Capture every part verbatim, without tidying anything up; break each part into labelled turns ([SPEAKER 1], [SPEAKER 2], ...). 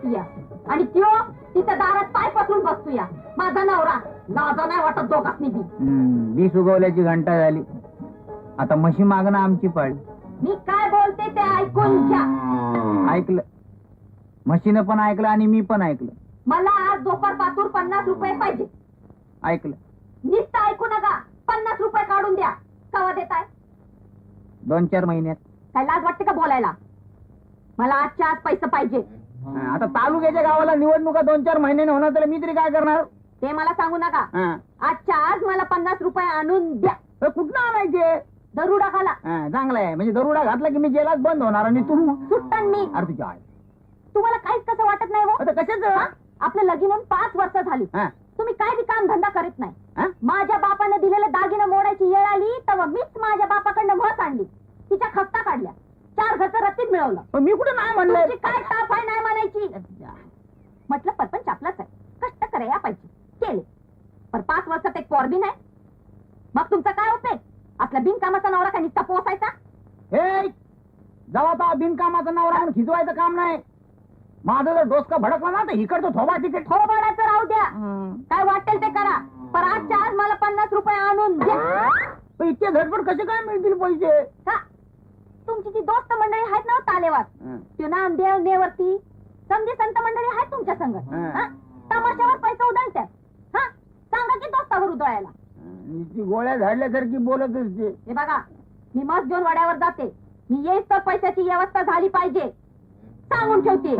[SPEAKER 1] या आणि त्यो तिच्या दारात पाय पसरून बसतो या. माझा नवरा लाजा नाही वाटत दोघांनी बी.
[SPEAKER 2] वीस उगवल्याची घंटा झाली, आता म्हशी मागणं आमची पाळी.
[SPEAKER 1] मी काय बोलते ते ऐकून घ्या.
[SPEAKER 2] ऐकलं, म्हशीनं पण ऐकलं आणि मी पण ऐकलं.
[SPEAKER 1] मला आज दोपार पातूर पन्नास रुपये पाहिजे.
[SPEAKER 2] ऐकलं.
[SPEAKER 1] नुसतं ऐकू नका, पन्नास रुपये काढून द्या. कवा देताय?
[SPEAKER 2] दोन चार महिन्यात.
[SPEAKER 1] काय लाज वाटते का बोलायला? मला आजच्या आज पैसे पाहिजे.
[SPEAKER 2] आता तालुक्याच्या गावाला निवडणुका दोन चार महिन्याने होणार, तर मी तरी काय करणार?
[SPEAKER 1] ते मला सांगू नका.
[SPEAKER 2] हा.
[SPEAKER 1] आजच्या आज मला पन्नास रुपये आणून द्या.
[SPEAKER 2] तर कुठनं आणायचे?
[SPEAKER 1] दरुडा खाला.
[SPEAKER 2] हा, चांगलं आहे, म्हणजे दरोडा घातला की मी जेलात बंद होणार आणि तू
[SPEAKER 1] सुट्टन मी.
[SPEAKER 2] अरे तुझ्या आई.
[SPEAKER 1] तुम्हाला काहीच कसं वाटत नाही हो?
[SPEAKER 2] आता कशाच?
[SPEAKER 1] आपलं लगीन होऊन पाच वर्ष झाली,
[SPEAKER 2] हा.
[SPEAKER 1] तुम्ही काय बी काम धंदा करीत नाही.
[SPEAKER 2] हा?
[SPEAKER 1] माझ्या बापाने दिलेलं दागिनं मोडायची वेळ आली तेव्हा मीच माझ्या बापाकडनं म्हस आणली, तिच्या खपता काढल्या, चार घरचं रत्तीत मिळवलं.
[SPEAKER 2] पण मी कुठे नाही म्हणलं?
[SPEAKER 1] तुमची काय ताप आहे नाही म्हणायची? म्हटलं परपंच आपलाच आहे, कष्ट कराया पाहिजे, केले. पण पाच वर्षात एक पोर बी नाही. मग तुमचं काय होतंय? आपला बिनकामाचा नवरा का निस्ता पोसायचा?
[SPEAKER 2] हे जेव्हा तो बिनकामाचा नवरा म्हणून खिजवायचं काम नाही. माझं जर डोसका भडकला ना तर इकडचं थोबा तिकीट
[SPEAKER 1] थोबाडाचं राहू द्या, काय वाटेल ते करा, पण आजच्या आज मला पन्नास रुपये आणून द्या.
[SPEAKER 2] इतके झटपट कसे काय मिळतील पैसे?
[SPEAKER 1] का तुमची जी दोस्त मंडळी आहेत ना तालेवार, ते नामदेव नेवरती समजी संत मंडळी आहेत तुमच्या संग, तमाशावर पैसे उधळतात. हा, सांगा की दोस्तावर उधळायला.
[SPEAKER 2] ती गोळ्या झाडल्यासारखी बोलत असते.
[SPEAKER 1] हे बघा, मी मस्त घेऊन वड्यावर जाते, मी येईस तर पैशाची व्यवस्था झाली पाहिजे सांगून ठेवते.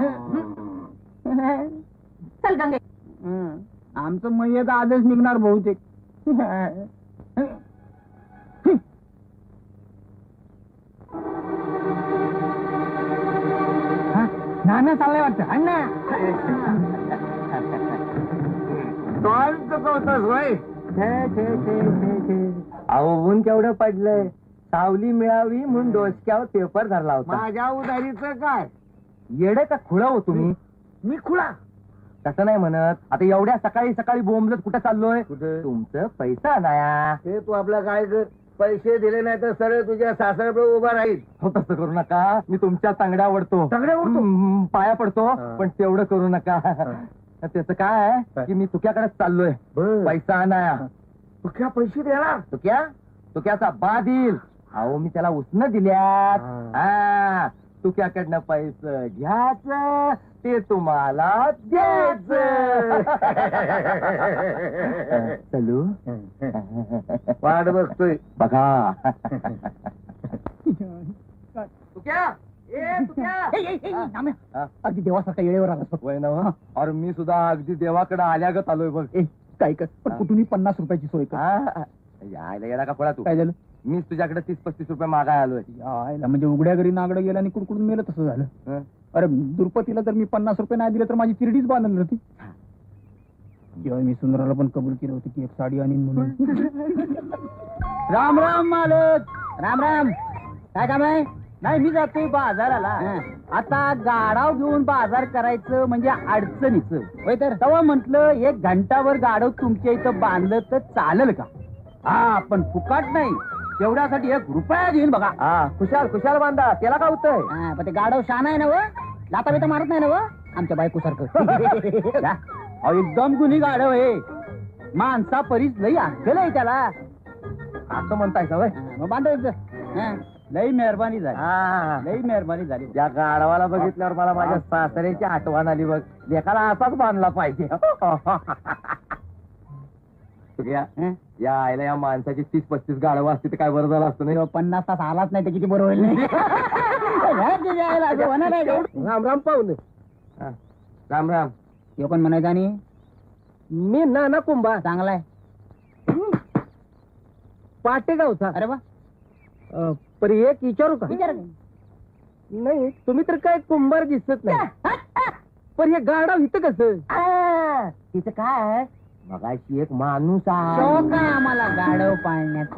[SPEAKER 1] चल गंगे.
[SPEAKER 2] आमचं मयत आजच निघणार बहुतेक. नाना चाललंय वाटतं. अण्णा चुकवतोस होय?
[SPEAKER 3] अहो ऊन केवढं पडलंय, सावली मिळावी म्हणून डोसक्यावर पेपर धरला होता.
[SPEAKER 2] माझ्या उधारीचं काय?
[SPEAKER 3] येडे का खुळा हो तुम्ही?
[SPEAKER 2] मी खुळा?
[SPEAKER 3] तसं नाही म्हणत. आता एवढ्या सकाळी सकाळी बोंबलत कुठं चाललोय?
[SPEAKER 2] कुठे?
[SPEAKER 3] तुमचं पैसा नाया.
[SPEAKER 2] ते तू आपला काय कर, पैसे दिले नाही तर सरळ तुझ्या सासऱ्याकडे उभा राहील.
[SPEAKER 3] हो तसं करू नका, मी तुमच्या तांगड्या वडतो.
[SPEAKER 2] तांगड्या ओढतो?
[SPEAKER 3] हम्म, पाया पडतो,
[SPEAKER 2] हा.
[SPEAKER 3] पण तेवढं करू नका. त्याचं काय आहे की मी तुक्याकडेच चाललोय पैसा आणाया.
[SPEAKER 2] तू क्या पैसे देणार?
[SPEAKER 3] तुक्या तुक्याचा बा देईल. अहो मी त्याला उसनं दिल्यात.
[SPEAKER 2] हा.
[SPEAKER 3] हा, तुक्याकडनं पैसे घ्यायचं, ते तुम्हाला द्यायचं. चलू
[SPEAKER 2] वाट बघतोय.
[SPEAKER 3] बघा. तुक्या ए तुक्या. हा.
[SPEAKER 2] अगदी देवासारखा येळेवर आला.
[SPEAKER 3] वय ना. अरे मी सुद्धा अगदी देवाकडे आल्यागत आलोय बघ.
[SPEAKER 2] काय कर, पण कुठूनही पन्नास रुपयाची सोय कर.
[SPEAKER 3] हा. यायला येणार का पळा तू?
[SPEAKER 2] काय झालं?
[SPEAKER 3] मीच तुझ्याकडे तीस पस्तीस रुपये मागाय आलोय.
[SPEAKER 2] यायला म्हणजे उघड्या घरी नागडं गेलं आणि कुडकुडून मेलं तसं झालं.
[SPEAKER 3] हं?
[SPEAKER 2] अरे दुर्पतीला जर मी पन्नास रुपये नाही दिले तर माझी तिरडीच बांधली होती. जेव्हा मी सुंदराला पण कबूल केलं होतं की एक साडी आणीन म्हणून. राम राम मालक. राम राम. काय काम आहे? नाही मी जातोय बाजाराला. आता गाडाव घेऊन बाजार करायचं म्हणजे अडचणीचं होय. तर तेव्हा म्हंटल एक घंटावर गाडव तुमच्या इथं बांधलं तर चालेल का? हा, पण फुकाट नाही, तेवढ्यासाठी एक रुपया घेईन बघा.
[SPEAKER 3] हा, खुशाल खुशाल बांधा, त्याला काय होतंय?
[SPEAKER 2] हा, पण ते गाडव शान आहे ना व, लाता बिता मारत नाही ना व, आमच्या बायको सारखं. एकदम गुन्ही गाडव आहे, माणसा परीच लई अक्कल आहे त्याला.
[SPEAKER 3] असं म्हणताय का?
[SPEAKER 2] मग बांधायचं. लई मेहरबानी झाली.
[SPEAKER 3] हा,
[SPEAKER 2] लई मेहरबानी झाली.
[SPEAKER 3] या गाढवाला बघितल्यावर मला माझ्या सासऱ्याची आठवण आली बघ. लेखाला असाच बांधला पाहिजे. या या आईला या माणसाची तीस पस्तीस गाढवं असती तर काय बरं झालं असतं नाही.
[SPEAKER 2] पन्नास तास आलाच नाही तर किती बरं होईल. नाही
[SPEAKER 3] राम राम पाहुणे. राम राम.
[SPEAKER 2] हे पण म्हणायचं. आणि
[SPEAKER 3] मी नाना कुंभा.
[SPEAKER 2] चांगला आहे.
[SPEAKER 3] पाटेगावचा.
[SPEAKER 2] अरे वा.
[SPEAKER 3] पर एक विचारू का?
[SPEAKER 2] विचार.
[SPEAKER 3] नाही तुम्ही तर काय कुंभार दिसत नाही. पण हे गाढव इथं कसं?
[SPEAKER 2] तिचं काय
[SPEAKER 3] मगाशी एक माणूस
[SPEAKER 2] शौक आहे आम्हाला गाढव पाळण्यात.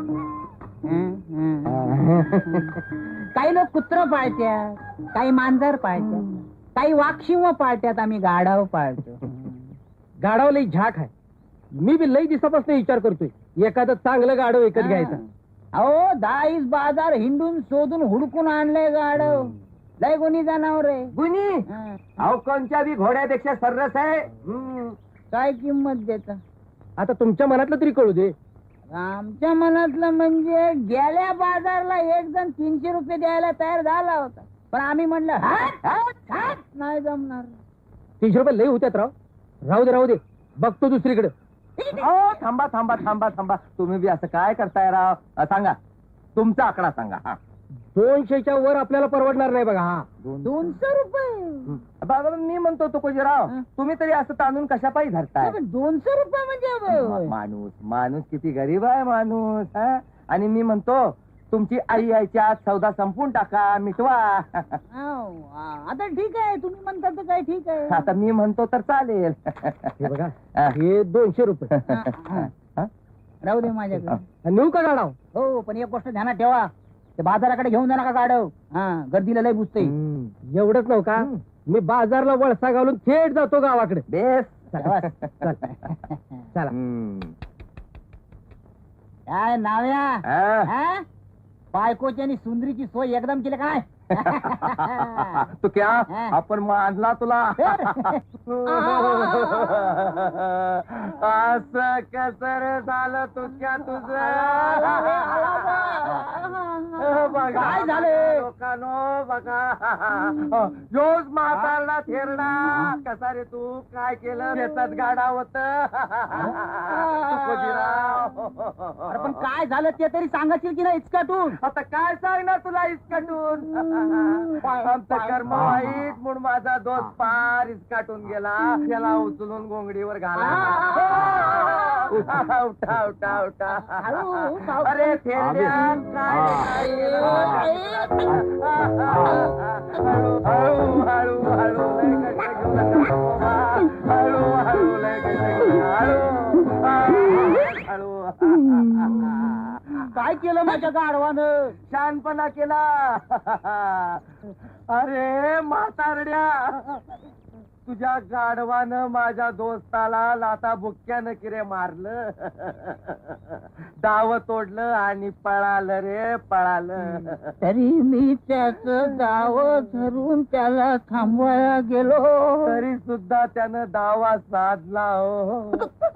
[SPEAKER 2] काही लोक कुत्र पाळत्यात, काही मांजर पाळत्यात, काही वाक्षिव पाळत्यात, आम्ही गाढव पाळतो.
[SPEAKER 3] गाढव लई झाक आहे. मी बी लई दिवसापासून विचार करतोय एखादं चांगलं गाढव विकत घ्यायचं.
[SPEAKER 2] अहो दाईस बाजार हिंडून शोधून हुडकून आणलंय गाढव. लय कोणी जनावर आहे
[SPEAKER 3] गुनी
[SPEAKER 2] हा.
[SPEAKER 3] अहो कोणत्या बी घोड्यापेक्षा सर्रस आहे हम्म.
[SPEAKER 2] काय किंमत देता
[SPEAKER 3] आता तुमच्या मनातलं तरी कळू दे
[SPEAKER 2] आमच्या मनातलं म्हणजे गेल्या बाजारला एक जण तीनशे रुपये द्यायला तयार झाला होता पण आम्ही म्हणलं "हट, हट, हट, नाही जमणार
[SPEAKER 3] तीनशे रुपये लई होत्यात राव राहू दे राहू दे बघतो दुसरीकडे अहो थांबा थांबा थांबा थांबा तुम्ही बी असं काय करताय राव अ, सांगा तुमचा आकडा सांगा हा दोनशेच्या वर आपल्याला परवडणार नाही बघा हा
[SPEAKER 2] दोनशे रुपये
[SPEAKER 3] बाबा मी म्हणतो तो कोजीराव
[SPEAKER 2] हं?
[SPEAKER 3] तुम्ही तरी असं तांदून कशा पायी धरताय
[SPEAKER 2] पण दोनशे रुपये म्हणजे
[SPEAKER 3] मा- माणूस माणूस किती गरीब आहे माणूस हा? आणि मी म्हणतो तुमची आई आईच्या आत सौदा संपून टाका मिटवा
[SPEAKER 2] आव, आ, आता ठीक आहे तुम्ही म्हणता तर काय ठीक आहे
[SPEAKER 3] आता मी म्हणतो तर चालेल हे बघा हे दोनशे रुपये
[SPEAKER 2] हा, हा. राहू दे माझ्याकडे
[SPEAKER 3] नेऊ का गाडा
[SPEAKER 2] हो पण एक गोष्ट ध्यानात ठेवा ते बाजाराकडे घेऊन जा नका गाडव हा गर्दीला लय बुजते
[SPEAKER 3] एवढंच नव्ह का मी बाजारला वळसा घालून थेट जातो गावाकडे बेस
[SPEAKER 2] चला.
[SPEAKER 3] चला
[SPEAKER 2] काय नाव्या
[SPEAKER 3] हा.
[SPEAKER 2] हा? बायकोची आणि सुंदरीची सोय एकदम केली काय
[SPEAKER 3] तू क्या
[SPEAKER 2] हा.
[SPEAKER 3] आपण मानला तुला असं कसर झालं तुझ्या तुझं बघा
[SPEAKER 2] काय झालं?
[SPEAKER 3] लोकांनो बघा जोस म्हातारला थेरडा कसा रे तू काय केलं शेतात गाडा होत
[SPEAKER 2] अरे पण काय झालं ते तरी सांगायची की नाही इचकाटून
[SPEAKER 3] आता काय सांगणार तुला इसकाटून आमचं कर्म वाईट म्हणून माझा दोस्त पार इसकाटून गेला त्याला उचलून गोंगडीवर घाला उठा उठा उठा उठा अरे थेरड्या काय हळू हळू हळू लय कष्ट घेऊ नका बाबा. हळू हळू लय कष्ट घेऊ नका. हळू हळू
[SPEAKER 2] काय केलं माझ्या गाढवानं
[SPEAKER 3] शहाणपणा केला अरे म्हातारड्या तुझ्या गाढवानं माझ्या दोस्ताला लाता बुक्क्यानं किरे मारलं डाव तोडलं आणि पळालं रे पळालं
[SPEAKER 2] तरी मी त्याच गाव धरून त्याला थांबवायला गेलो
[SPEAKER 3] तरी सुद्धा त्यानं दावा साधला हो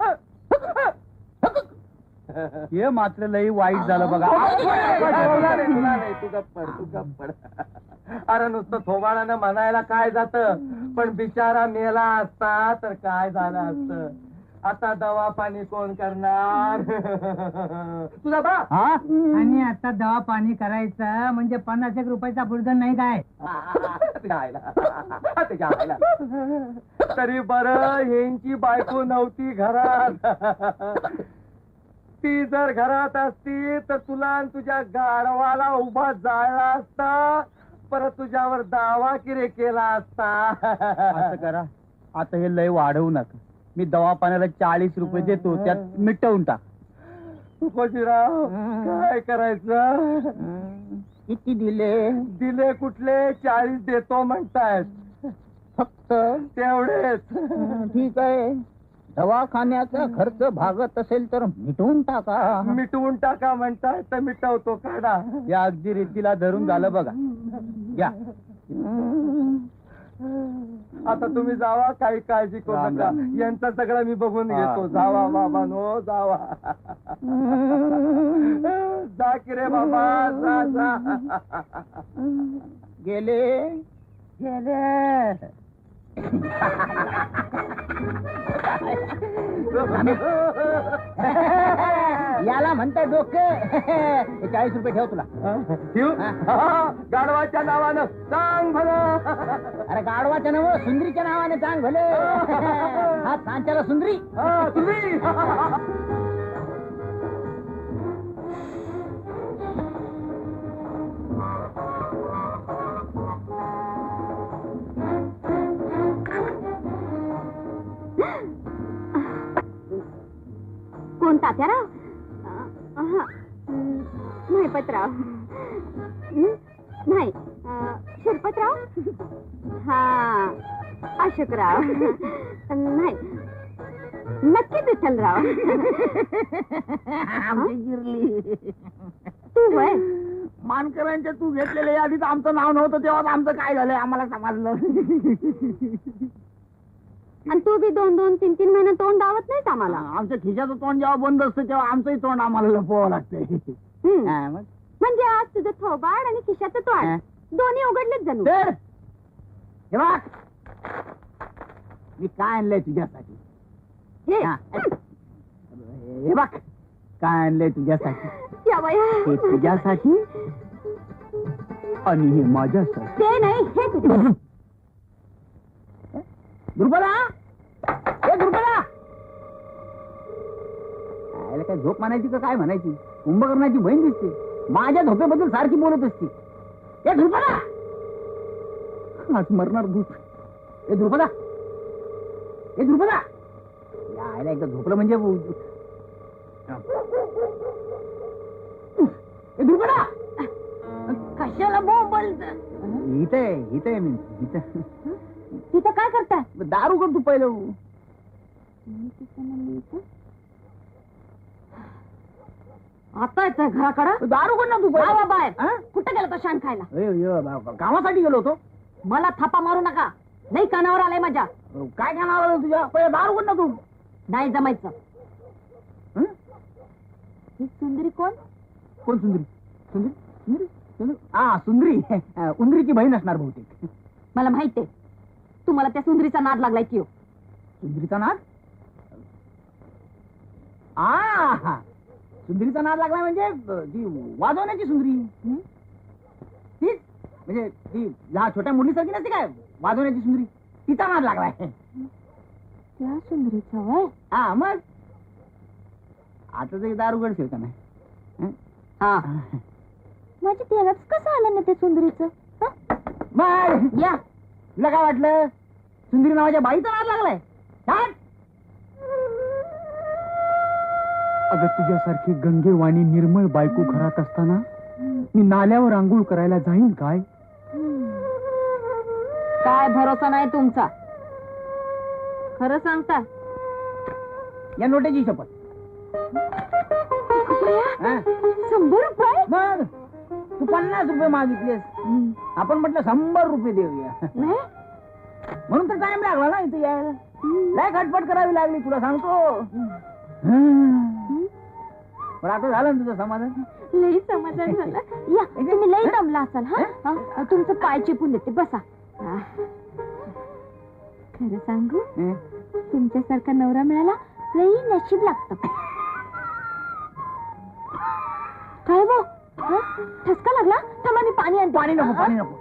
[SPEAKER 2] हे मात्र लई वाईट झालं बघा
[SPEAKER 3] तुला नाही, तुला नाही, तू गप्प पड, तू गप्प पड. अरे नुसतं थोबाडानं म्हणायला काय जात पण बिचारा मेला असता तर काय झालं असत आता दवा पाणी कोण करणार तुझा बा
[SPEAKER 2] हा आणि आता दवा पाणी करायचं म्हणजे पन्नास एक रुपयाचा बुडधन नाही काय
[SPEAKER 3] तुझ्या आईला, तुझ्या आईला. तरी बरं यांची बायको नव्हती घरात ती जर घरात असती तर तुला आणि तुझ्या गाढवाला उभा जाळला असता परत तुझ्यावर दावा किरे केला असता
[SPEAKER 2] असं करा आता हे लय वाढवू नका मी दवाखान्याला चाळीस रुपये देतो त्यात मिटवून टाक
[SPEAKER 3] तुकोजीराव काय करायचं
[SPEAKER 2] किती दिले
[SPEAKER 3] दिले कुठले चाळीस देतो म्हणतायत
[SPEAKER 2] फक्त
[SPEAKER 3] तेवढेच
[SPEAKER 2] ठीक आहे दवाखान्याचा खर्च भागत असेल तर मिटवून टाका
[SPEAKER 3] मिटवून टाका म्हणताय तर मिटवतो काढा
[SPEAKER 2] या अगदी रीतीला धरून झालं बघा या
[SPEAKER 3] आता तुम्ही जावा काही काळजी करू
[SPEAKER 2] राम
[SPEAKER 3] नका
[SPEAKER 2] राम.
[SPEAKER 3] यांचं सगळं मी बघून
[SPEAKER 2] हा.
[SPEAKER 3] घेतो जावा बाबा नो जावा जा की रे बाबा जा जा
[SPEAKER 2] गेले
[SPEAKER 3] गेले
[SPEAKER 2] याला म्हणताय डोके चाळीस रुपये ठेव तुला
[SPEAKER 3] ठेवू?
[SPEAKER 2] हा.
[SPEAKER 3] हा, गाढवाच्या नावानं सांग भलं
[SPEAKER 2] अरे गाढवाच्या नाव सुंदरीच्या नावाने सांग भले हा सांच्याला सुंदरी
[SPEAKER 3] हा, तुम्ही
[SPEAKER 1] कोण तात्याराव अहं, नाही पतराव हं? नाही अं, शिरपतराव हा अशोकराव नाही नक्की विठ्ठलराव
[SPEAKER 2] आमची गिरली
[SPEAKER 1] तू वय
[SPEAKER 2] मानकरांच्या तू घेतलेल्या यादीत आमचं नाव नव्हतं तेव्हा आमचं काय झालंय आम्हाला समजलं.
[SPEAKER 1] आणि तू बी दोन दोन तीन तीन महिने तोंड दावत नाहीस आम्हाला.
[SPEAKER 2] आमच्या खिशाचं तोंड जेव्हा बंद असतं तेव्हा आमचंही तोंड आम्हाला लपवावं लागतंय.
[SPEAKER 1] हम्म.
[SPEAKER 2] हा, मग
[SPEAKER 1] म्हणजे आज तुझं थोबाड आणि खिशाचं
[SPEAKER 2] हा.
[SPEAKER 1] तोंड दोन्ही उघडलेच जणू.
[SPEAKER 2] तर हे बघ, मी काय आणलंय तुझ्यासाठी.
[SPEAKER 1] हे.
[SPEAKER 2] हा. हे बघ काय आणलंय तुझ्यासाठी.
[SPEAKER 1] या बाया.
[SPEAKER 2] हे तुझ्यासाठी आणि हे माझ्यासाठी.
[SPEAKER 1] ते नाही हे तुझ्या.
[SPEAKER 2] दुर्बला हे दुर्बला आयला काय झोप म्हणायची का काय म्हणायची. कुंभकर्णाची बहीण दिसते माझ्या झोपेबद्दल सारखी बोलत असते. हे दुर्बला आज मरणार भूत. हे दुर्बला हे दुर्बला या आयला एकदा झोपलं म्हणजे हे दुर्बला
[SPEAKER 1] कशाला बोंबलत.
[SPEAKER 2] इथे इथे मी इथं
[SPEAKER 1] तिथं काय करताय.
[SPEAKER 2] दारू कर तू पहिलं.
[SPEAKER 1] आता येतोय घराकडं.
[SPEAKER 2] दारू कर ना तू
[SPEAKER 1] जावा
[SPEAKER 2] पहिलं.
[SPEAKER 1] बाहेर.
[SPEAKER 2] हा?
[SPEAKER 1] कुठं गेला तो शान खायला.
[SPEAKER 2] अय, अय, बा- कामासाठी गेलो होतो.
[SPEAKER 1] मला थापा मारू नका. नाही कानावर आलाय माझ्या.
[SPEAKER 2] काय खाणार आलं तुझ्या पहिलं दारू कर ना तू.
[SPEAKER 1] नाही जमायचं.
[SPEAKER 2] हं?
[SPEAKER 1] ही सुंदरी कोण.
[SPEAKER 2] कोण सुंदरी सुंदरी सुंदरी सुंदरी हा सुंदरी उंदरीची बहीण असणार बहुतेक.
[SPEAKER 1] मला माहित आहे तुम्हाला त्या सुंदरीचा नाद लागलाय की हो.
[SPEAKER 2] सुंदरीचा नाद आ सुंदरीचा नाद लागलाय म्हणजे अ, ती वाजवण्याची सुंदरी.
[SPEAKER 1] हं?
[SPEAKER 2] तीच म्हणजे ती लहान छोट्या मुलीसारखी नसते काय वाजवण्याची सुंदरी तिचा नाद लागलाय.
[SPEAKER 1] त्या सुंदरीचा वय.
[SPEAKER 2] हा मग आता तरी दारू गडशील का नाही. हं?
[SPEAKER 1] हा माझ्या तेलाच कसं आलं ना त्या सुंदरीचं.
[SPEAKER 2] मग
[SPEAKER 1] या
[SPEAKER 2] तुला काय वाटलं सुंदरी नावाच्या बाईचा नाद लागलाय. काय अगं तुझ्यासारखी गंगेवाणी निर्मळ बायको घरात असताना मी नाल्यावर आंघोळ करायला जाईन काय.
[SPEAKER 1] काय भरोसा नाही तुमचा. खरं सांगता.
[SPEAKER 2] या नोट्याची शपथ. हा?
[SPEAKER 1] शंभर रुपये.
[SPEAKER 2] मग तू पन्नास रुपये मागितलेस आपण म्हटलं शंभर रुपये देऊया
[SPEAKER 1] नाही?
[SPEAKER 2] म्हणून तर टाइम लागला ना इथे यायला. लय खटपट करावी लागली तुला सांगतो. पण आता झालं ना तुझं समाधान.
[SPEAKER 1] लई समाधान झालं. या तुम्ही लई दमला असाल. हा हा, तुमचं पाय चिपून देते बसा. हा. खरं सांगू
[SPEAKER 2] हं?
[SPEAKER 1] तुमच्यासारखा नवरा मिळाला लई नशीब लागतं. काय बो ठसका लागला. थांबा मी पाणी आणते.
[SPEAKER 2] पाणी नको पाणी नको